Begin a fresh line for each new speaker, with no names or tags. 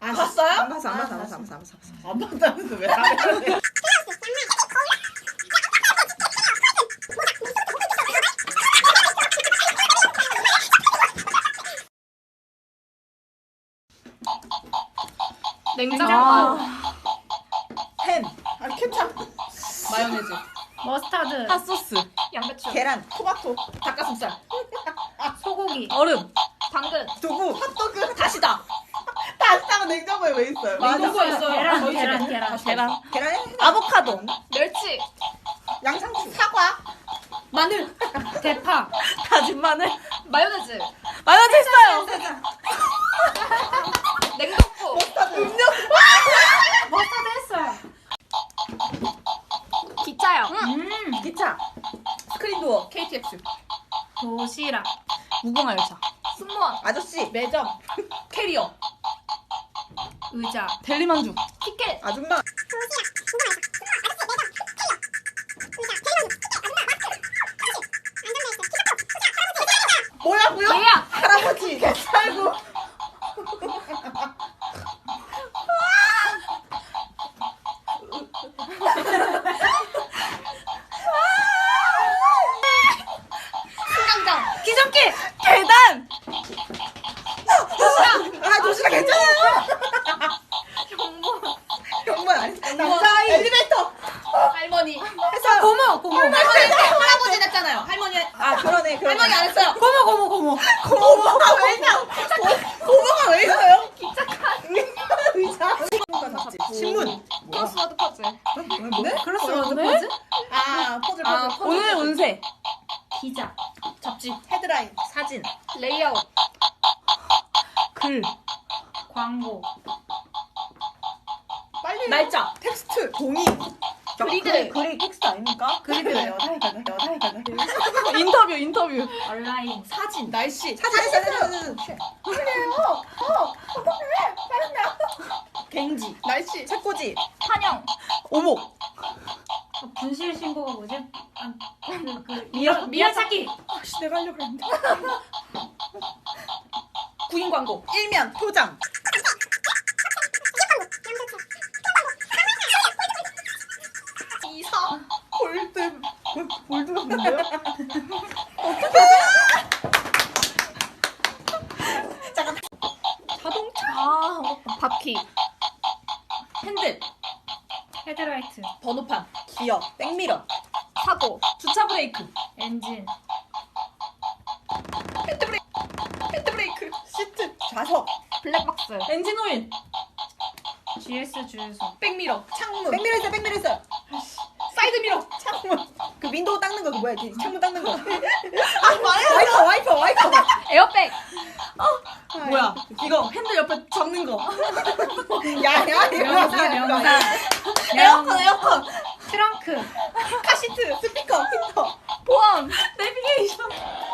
봤어요?
안 봤어.
안 봤다면서 왜 안 해?
냉장고.
햄,
케찹, 마요네즈,
머스타드.
핫소스.
양배추.
계란,
토마토, 닭가슴살,
소고기.
얼음.
당근.
두부,
핫도그.
다시다.
다시다가 냉장고에 왜 있어요?
맞아.
냉장고에 있어요. 계란,
저희 집에.
계란, 계란.
계란.
계란에
아보카도.
멸치.
양상추,
사과,
마늘. 대파.
다진 마늘.
마요네즈.
마요네즈 했어요.
냉동고.
머스타드 했어요.
기차요.
기차, 스크린도어,
KTX,
도시락.
무궁화 열차.
승무원.
아저씨,
매점, 캐리어,
의자.
델리만주.
티켓.
아줌마,
뭐라고요?
예약.
할아버지,
아이고.
승강장.
기존기. 계단.
도시락 괜찮아요.
경무원.
아니, 남자아이,
엘리베이터,
할머니.
해서
고모.
할아버지 했잖아요. 할머니.
그러네.
할머니 안 했어요.
고모.
고모가 왜 있냐? 고모가 왜 있어요? 의자,
신문,
크로스워드 퍼즐.
네?
그랬어요.
퍼즐.
오늘의 운세.
기자.
잡지, 헤드라인,
사진,
레이아웃.
글.
광고.
빨리.
날짜.
텍스트,
종이,
그리드.
글이 텍스트 아닙니까?
그리드래요.
인터뷰.
온라인.
사진, 날씨,
사진,
갱지, 날씨,
책꽂이,
환영.
오목.
분실 신고가 뭐지? 미연 찾기.
내가 하려고 했는데.
구인 광고,
일면, 포장,
이사, 골드,
골드가 뭔데요?
바퀴. 핸들. 헤드라이트.
번호판,
기어, 백미러,
사고.
주차 브레이크.
엔진.
핸드브레이크,
시트, 좌석,
블랙박스.
엔진 오일.
GS 주유소.
백미러, 창문,
백미러 있어요.
사이드미러,
창문. 그 윈도우 닦는 거, 그 뭐야? 그 창문 닦는 거. 와이퍼.
에어백.
뭐야? 이거 핸들 옆에 잡는 거.
명사.
에어컨.
트렁크.
카시트, 스피커, 힌터.
보험.
내비게이션.